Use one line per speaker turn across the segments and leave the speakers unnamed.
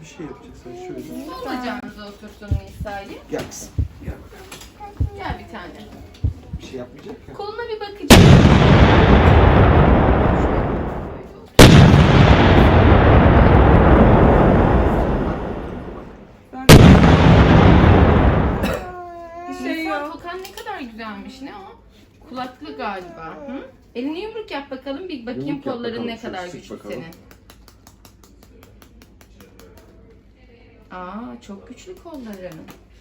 bir şey yapacaksın şöyle.
Olacağınıza otursun Nisa'yı.
Gel kızım. Gel.
Gel bir tane.
Bir şey yapmayacak ya.
Koluna bir bakacağım.
Bir şey
Nisa,
yok.
tokan ne kadar güzelmiş. Ne o? Kulaklı galiba. Hı? Elini yumruk yap bakalım. Bir bakayım
Yumruk yap
kolların
bakalım,
ne kadar
şöyle sık
güçlü
bakalım.
senin. Aa, çok güçlü kolların.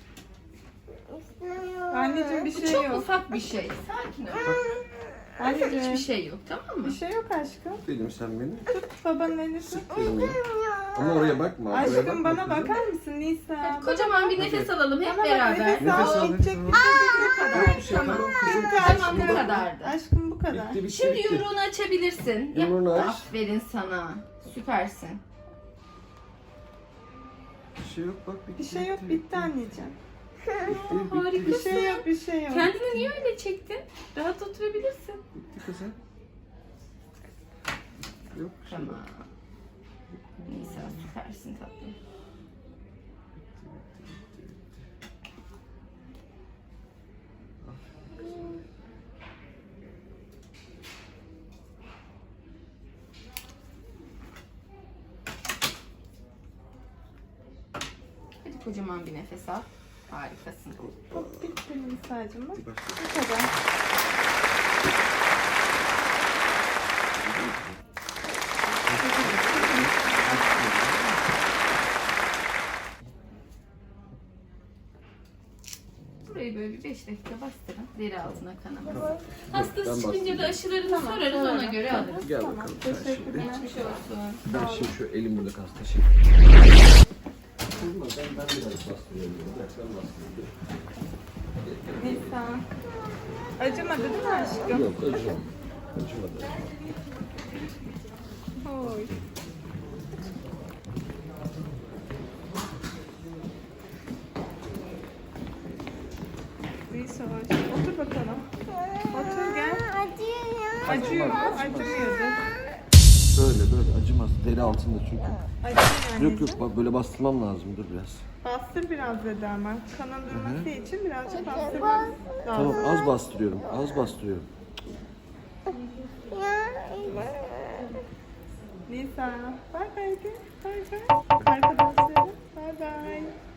Anneciğim bir
Bu
şey
çok
yok.
ufak bir şey. Sakin ol.
Anneciğim
Hiçbir şey yok, tamam mı?
bir şey yok aşkım.
Dedim sen beni.
Babanın elini tut.
Elini. Ama oraya bakma. Oraya
Aşkım
bakma
bana
kızım.
bakar mısın Nisa?
Hadi kocaman bir nefes alalım hep
Bana bak,
beraber.
nefes
Nefes
al.
al,
Gidecek
nefes
bir
al.
kadar.
Yok bir şey
Tamam.
tamam kızım.
Tamam, bu kadardı.
Aşkım bu kadar.
Bitti bitti.
Şimdi
bitti.
yumruğunu açabilirsin.
Yumruğunu aç.
Aferin sana. Süpersin.
Bir şey yok bak bitti.
Bir şey yok bitti anneciğim.
Bitti,
Harika.
Bir şey yok bir şey yok.
Kendini niye öyle çektin? Rahat oturabilirsin.
Bitti kızım. Yok bir şey yok.
Tamam. Nisa süpersin tatlım. Hadi kocaman bir nefes al. Harikasın.
Hop bitti Nisa'cığım bak.
Bir başla.
Bu kadar.
Burayı böyle bir 5 dakika bastırın. Deri altına kanamasın.
Tamam.
Hastası
Ben
çıkınca da
bastıracağım.
aşılarını sorarız ona göre alırız.
Gel
Tamam,
bakalım sen
teşekkürler.
şimdi.
Geçmiş olsun.
Ben şimdi şu elim burada kalsın. Teşekkür ederim. Ben biraz bastırıyorum. Ben bastırıyorum.
Nisa. Acımadı değil mi aşkım?
Yok acımadı. Acımadı.
Oy. Nisa otur bakalım. Otur gel. Acıyor mu? Acımıyordu.
Böyle acımaz. Deri altında çünkü.
Acıyor
Yok yok bak böyle bastırmam lazım. Dur biraz.
Bastır biraz dedi ama. Kanın durması için birazcık bastırmak lazım.
Tamam az bastırıyorum. Az bastırıyorum.
Nisa. Bay bay de. Bay bay. Arkadaşlarım. Bay bay.